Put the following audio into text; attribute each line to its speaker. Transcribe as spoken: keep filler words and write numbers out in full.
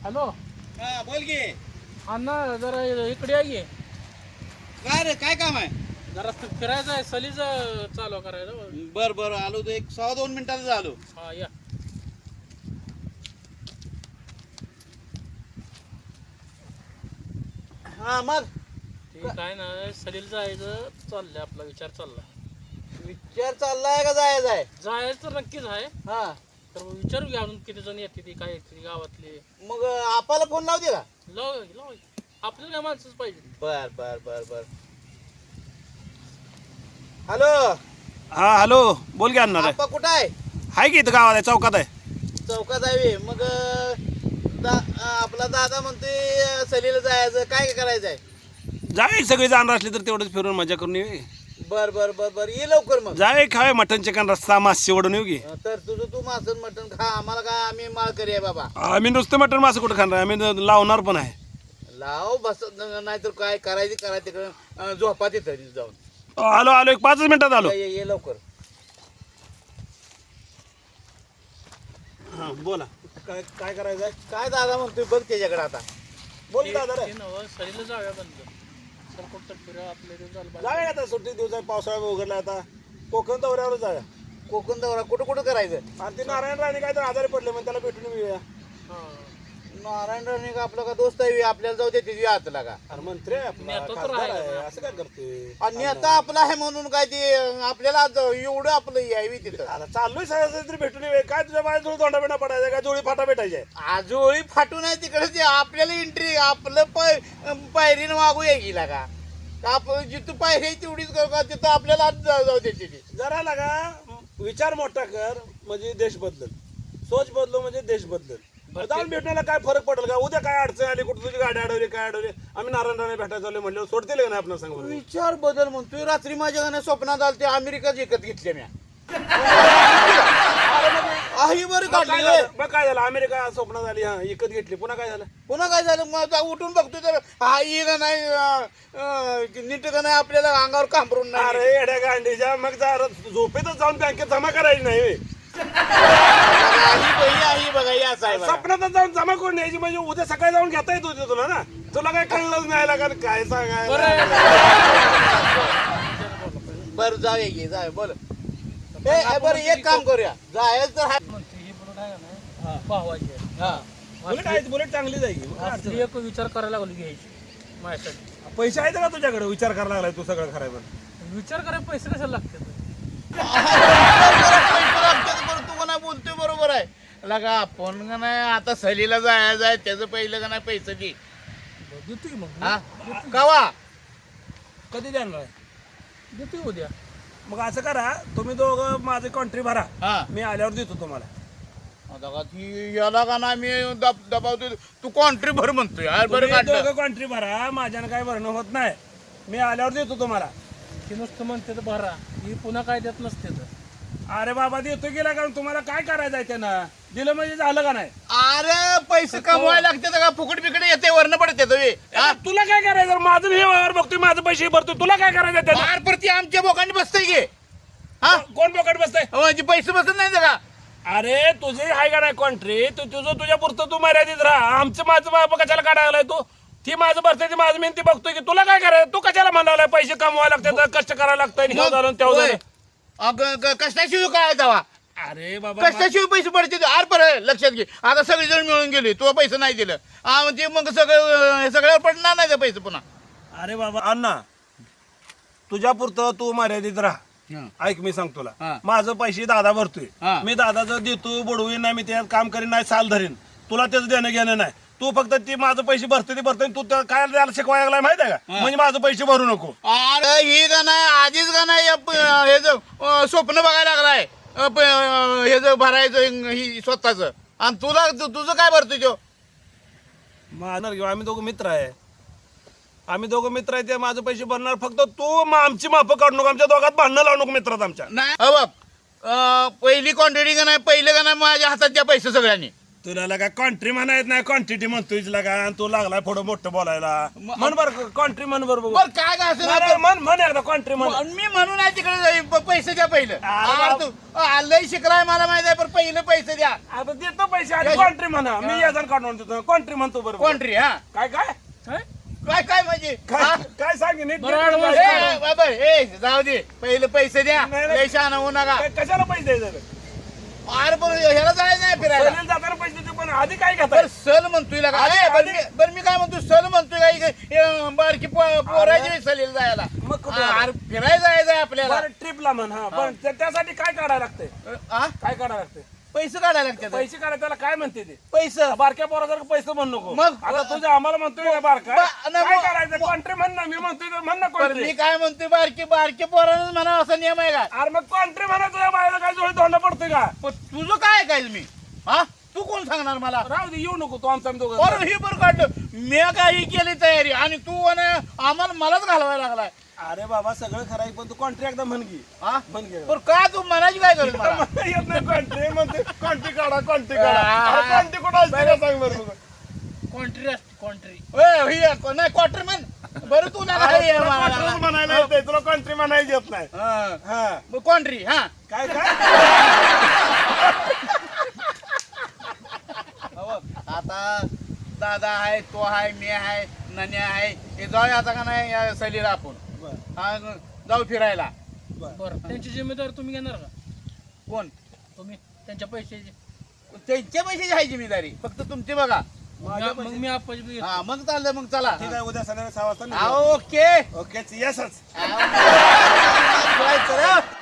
Speaker 1: Hello
Speaker 2: हा बोल की.
Speaker 1: अण्णा जरा इकडे या की.
Speaker 2: काय रे काय काम आहे?
Speaker 1: जरा फिरायचं आहे सलीच चालू करायचं.
Speaker 2: बर बर आलो तो एक सहा दोन मिनिटातच आलो.
Speaker 1: हा या.
Speaker 2: हा मग
Speaker 1: ते काय नाही सलील जायचं चाललंय आपला विचार चाललाय.
Speaker 2: विचार चाललाय का जायचं आहे?
Speaker 1: जायचं तर नक्कीच आहे.
Speaker 2: हा
Speaker 1: तर विचारू घ्या अजून किती जण येते ती काय येते गावातले.
Speaker 2: मग आपल्याला फोन लावते का?
Speaker 1: लाव लाव आपल्याला काय माणसंच पाहिजे.
Speaker 2: बर बर बर बर हॅलो
Speaker 3: हा हॅलो बोल की अण्णा
Speaker 2: आपा कुठं आहे?
Speaker 3: आहे की इथं गावात आहे चौकात आहे.
Speaker 2: चौकात आहे मग दा, आपला दादा म्हणतोय सलीला जायचं काय करायचं आहे?
Speaker 3: जावे सगळे जाणार असले तर तेवढंच फिरून मजा करून येऊ.
Speaker 2: बर बर बर बर ये लवकर मग.
Speaker 3: जावे खावे मटन चिकन रस्सा मासे ओढून येऊ की.
Speaker 2: तर तुझं तू मासन मटण खा आम्हाला काय आम्ही माळकरी आहे बाबा.
Speaker 3: आम्ही नुसतं मटन मासे कुठं खाणार आम्ही लावणार पण आहे.
Speaker 2: लाव बस नाहीतर काय करायचं करायचं तिकडं झोपा तिथं जाऊन.
Speaker 3: आलो आलो एक पाचच मिनिटात आलो.
Speaker 2: ये ये लवकर.
Speaker 3: हा बोला काय काय करायचं आहे?
Speaker 2: काय दादा म्हणतोय बघ त्याच्याकडे आता.
Speaker 3: बोल दादा रे.
Speaker 1: ते नवं सलीला जाऊया बंद. सर कुठं फिरा आपल्या इथे झालं
Speaker 3: जाऊया आता सुट्टी दिवस आहे पावसाळा उघडला आता कोकण दौऱ्यावर जाऊया.
Speaker 2: कोकण दौरा कुठं कुठं करायचं?
Speaker 3: आणि ते नारायण राणे काय तर आजारी पडले मग त्याला भेटून येऊया.
Speaker 1: हा.
Speaker 2: नारायण राणे का आपला का दोस्त आहे आपल्याला जाऊ दे तिथे आतला का?
Speaker 3: अरे मंत्री आहे आपला,
Speaker 1: नेता तर
Speaker 3: खासदार
Speaker 1: आहे
Speaker 3: आहे
Speaker 1: का?
Speaker 3: असं काय करते
Speaker 2: आणि आता आपला आहे म्हणून काय ते आपल्याला आज एवढं आपलं यावी तिथं.
Speaker 3: आता चाललोय सगळं तरी भेटून येऊया. काय तुझ्या माझ्या जोडी तोंडा बिंडा पडायचा काय जोडी फाटा भेटायची आहे?
Speaker 2: आजोळी फाटून आहे तिकडे ते आपल्याला एंट्री आपलं पाय पायरीनं मागू या गेला का? आपण जिथं पायरी आहे तेवढीच करू का तिथं आपल्याला आज जाऊ जाऊ दे तिथे.
Speaker 3: जरा लागा विचार मोठा कर म्हणजे देश बदलल. सोच बदलो म्हणजे देश बदलल. जाऊन भेटण्याला काय फरक पडेल का? उद्या काय अडचण आली कुठं तुझी गाडी अडवली काय अडवली आम्ही नारायण राणे भेटायला आलो म्हणलं सोडतील का नाही आपण सांग बरं?
Speaker 2: विचार बदल म्हणतोय. रात्री माझ्या गाण्या स्वप्नात आलं ते अमेरिकाच विकत घेतले म्या. आहे बरं
Speaker 3: मग काय
Speaker 2: काढली
Speaker 3: झालं? मग काय झालं अमेरिका स्वप्नात आली हा विकत घेतली पुन्हा काय झालं?
Speaker 2: पुन्हा काय झालं मग आता उठून बघतोय तर हा ये का नाही अं, अं, नीट का नाही आपल्याला अंगावर कांबरून नाही.
Speaker 3: अरे येड्या गांडीच्या मग जरा झोपेतच जाऊन बँकेत जमा करायची नाही व्हय.
Speaker 2: आई बाई आई बघा या साहेब
Speaker 3: स्वप्नातच जाऊन जमा करून यायची म्हणजे उद्या सकाळी जाऊन घेता येत होते तुला ना. तुला काय कळलंच नाही लागा काय सांगाय.
Speaker 2: बरं जाऊया की जाऊया बोल. ए बरं एक काम करूया जायचं तर हाय-
Speaker 1: म्हणते ही बुलेट आहे का नाही पाहावायची आहे.
Speaker 2: हा.
Speaker 3: बुलेट आहे बुलेट चांगली जाईल.
Speaker 1: असली एक विचार करायला लागलो घ्यायची माझ्यासाठी.
Speaker 3: पैसे आहेत का तुझ्याकडे विचार करायला लागलाय तू सगळं खराब.
Speaker 1: विचार करायला पैसे कशाला लागतात?
Speaker 2: पैसे लागतात बरं तू का नाही बोलतोय बरोबर आहे. लगा आपण का नाही आता सहलीला जायचं आहे त्याचं पहिलं का नाही पैसे दे.
Speaker 1: देतो की मग.
Speaker 2: हा कवा?
Speaker 3: कधी देणार आहे?
Speaker 1: देतो की उद्या.
Speaker 3: मग असं करा तुम्ही दोघं माझे कॉन्ट्री भरा
Speaker 2: हा
Speaker 3: मी आल्यावर देतो तुम्हाला.
Speaker 2: आता का ती याला का नाही मी दब दबावतो तू कॉन्ट्री भर म्हणतोय यार बरं
Speaker 3: तुम्ही
Speaker 2: काढलं.
Speaker 3: दोघं कॉन्ट्री भरा माझ्यानं काय भरणं होत नाही. मी आल्यावर देतो तुम्हाला.
Speaker 1: ती नुसतं म्हणते तर भरा ही पुन्हा काय देत नसते तर.
Speaker 3: अरे बाबा देतो गेला कारण तुम्हाला काय करायचं आहे त्यानं दिलं म्हणजे झालं का नाही?
Speaker 2: अरे पैसे कमवायला लागते का फुकट बिकट येते वर्ण पडते
Speaker 3: आता तुला काय करायचं माझं हे व्यवहार बघतोय माझं पैसे भरतोय तुला काय करायचं आहे त्यानं?
Speaker 2: बार परती आमच्या बोकांनी बसतंय गे हा
Speaker 3: कोण पकड बसतंय?
Speaker 2: म्हणजे पैसे बसत नाही का?
Speaker 3: अरे तुझे आहे का नाही कॉन्ट्री तू तुझं तुझ्या पुरतं तू मर्यादित राहा. आमचं माझं बाबा कशाला काढायला तू ती माझं भरते ती माझं मेहनती बघतोय की तुला काय करायचं? तू कशाला म्हणाला पैसे कमवायला लागतात कष्ट करायला लागतंय हे झालं आणि तेव्हा झालं.
Speaker 2: कष्टाशिवाय काय तेव्हा
Speaker 3: अरे बाबा
Speaker 2: कष्टाशिवाय पैसे पडते आर पर लक्षात घे आता सगळे जण मिळून गेले तू पैसे नाही दिलं हा म्हणजे मग सगळं हे सगळ्यावर पडणार नाही का पैसे पुन्हा.
Speaker 3: अरे बाबा अण्णा तुझ्या पुरतं तू मर्यादित राहा. ऐक मी सांग
Speaker 2: हा.
Speaker 3: तुला माझं पैसे दादा भरतोय
Speaker 2: हा.
Speaker 3: मी दादाचं देतो बुडवीन नाही मी त्यात काम करीन नाही साल धरीन तुला त्याचं देणं घेणं नाही. तू फक्त ती माझं पैसे भरते ते भरते तू त्या काय त्याला शिकवायला लागलाय माहिती आहे का? म्हणजे माझं पैसे भरू नको.
Speaker 2: अरे ही का नाही आधीच का नाही या प- हे ज अं, स्वप्न बघायला लागलाय अं, प- अं, हे ज भरायचं ही स्वतःच आणि तुला तु- तुझं काय भरतोय तो?
Speaker 3: मारणार घेऊ आम्ही दोघं मित्र आहे आम्ही दोघं मित्र आहे ते माझं पैसे भरणार फक्त तू मग आमची माफं काढू नको आमच्या दोघात भांडणं लावू नको मित्रात आमच्या.
Speaker 2: नाही अ बघ अं, पहिली क्वांटिटी का नाही पहिलं का नाही माझ्या हातात द्या पैसे सगळ्यांनी
Speaker 3: तुला लगा कॉन्ट्री म्हणायत नाही क्वांटिटी म्हणतोय लगा आणि तू लागलाय पुढं मोठं बोलायला म्हण बरं कॉन्ट्री म्हण बरं बघू
Speaker 2: बर काय काय असं
Speaker 3: बरं, म्हण म्हण एकदा कॉन्ट्री म्हण
Speaker 2: आणि मी म्हणून आहे तिकडे जाईन, प- पैसे द्या पहिलं
Speaker 3: अरे
Speaker 2: आ,
Speaker 3: बाप.
Speaker 2: तू आ, लय शिकलाय मला माहित आहे पण पहिलं पैसे द्या.
Speaker 3: आता देतो पैसे आणि कॉन्ट्री म्हणा मी याजन काढून देतो कॉन्ट्री म्हणतो बरं
Speaker 2: कोंट्री हा
Speaker 3: काय काय
Speaker 1: काय
Speaker 2: काय काय म्हणजे
Speaker 3: काय
Speaker 2: हा?
Speaker 3: काय सांगे नीट
Speaker 1: बरं,
Speaker 3: नीट
Speaker 1: advance
Speaker 3: काय-
Speaker 2: ए, बाबा ए जाऊ दे पहिले पैसे द्या
Speaker 3: नाही, नाही.
Speaker 2: लय शहाणा होऊ नका.
Speaker 3: काय- कशाला पैसे द्यायचे
Speaker 2: अरे पण ह्याला जायचं नाही फिरायला
Speaker 3: सहलीला जाताना पैसे देतो पण आधी काय घेताय
Speaker 2: बरं सल म्हणतोय का
Speaker 3: आधी-
Speaker 2: ए, बरं
Speaker 3: आधी-
Speaker 2: मी- बरं मी काय म्हणतो सल म्हणतोय का इथे, हे, बारकी पो- पोराची सलील जायला
Speaker 3: मग कुठं?
Speaker 2: आ, अरे फिरायला जायचंय आपल्याला
Speaker 3: बरं ट्रिपला म्हण हा पण त्या- त्यासाठी काय काढायला लागतंय
Speaker 2: आ?
Speaker 3: काय काढायला लागतंय
Speaker 2: पैसे काढायला लागतात
Speaker 3: पैसे काढायला त्याला काय म्हणते ते
Speaker 2: पैसे
Speaker 3: बारक्या पोरासारखं पैसे म्हण नको
Speaker 2: मग?
Speaker 3: आता तुझ्या आम्हाला म्हणतोय ना बारका
Speaker 2: बा- नाही,
Speaker 3: काय
Speaker 2: मग-
Speaker 3: करायचं कॉन्ट्री म्हण ना मी म्हणतोय तर म्हण ना
Speaker 2: पण मी
Speaker 3: कॉन्ट्री
Speaker 2: काय म्हणतोय बारकी बारकी पोरानं म्हणा असा नियम आहे का
Speaker 3: अरे मग कॉन्ट्री म्हणा तुझ्या बायला काय जोडी धोंडा पडतोय का
Speaker 2: पण तुझं काय काय मी हा तू कोण सांगणार मला
Speaker 3: राहू दे येऊ नको तू आमचा आम्ही दोघं
Speaker 2: बरं हे बरं काढलं मी काही केली तयारी आणि तू आणि आम्हाला मलाच घालवायला लागलाय
Speaker 3: अरे बाबा सगळं खरं आहे, पण तू कॉन्ट्री एकदा म्हण की
Speaker 2: हा
Speaker 3: म्हण घे
Speaker 2: बरं का तू म्हणायची काय गरज मला
Speaker 3: मला येत नाही कॉन्ट्री म्हणते कॉन्ट्री काढा कॉन्ट्री
Speaker 2: आ,
Speaker 3: काढा कॉन्ट्री कुठं असते का सांग बरं बघू.
Speaker 1: कॉन्ट्री असते कॉन्ट्री
Speaker 2: ओय, ही आहे, नाही क्वार्टर म्हण बरं तू ना
Speaker 3: अरे तुला कॉन्ट्रीच म्हणायला येतंय, तुला कॉन्ट्री म्हणायला येत नाही हा
Speaker 2: कॉन्ट्री हा
Speaker 3: काय काय
Speaker 2: आता दादा आहे तो आहे मी आहे नन्या आहे हे जाऊया आता का नाही या सहलीला आपण
Speaker 3: बरं,
Speaker 2: हा, जाऊ फिरायला
Speaker 3: बरं.
Speaker 1: बरं त्यांची जिम्मेदारी तुम्ही घेणार का
Speaker 2: कोण
Speaker 1: तुम्ही त्यांच्या पैशाची
Speaker 2: त्यांच्या पैशाची आहे जिम्मेदारी फक्त तुमची बघा
Speaker 3: माझ्या
Speaker 1: मग मी आप्पाची बी घेतो.
Speaker 2: हा मग चाललं मग चला
Speaker 3: ठीक आहे उद्या संध्याकाळी सहा वाजता
Speaker 2: हा,
Speaker 3: निघू.
Speaker 2: ओके
Speaker 3: ओके येसच
Speaker 2: हा, चला.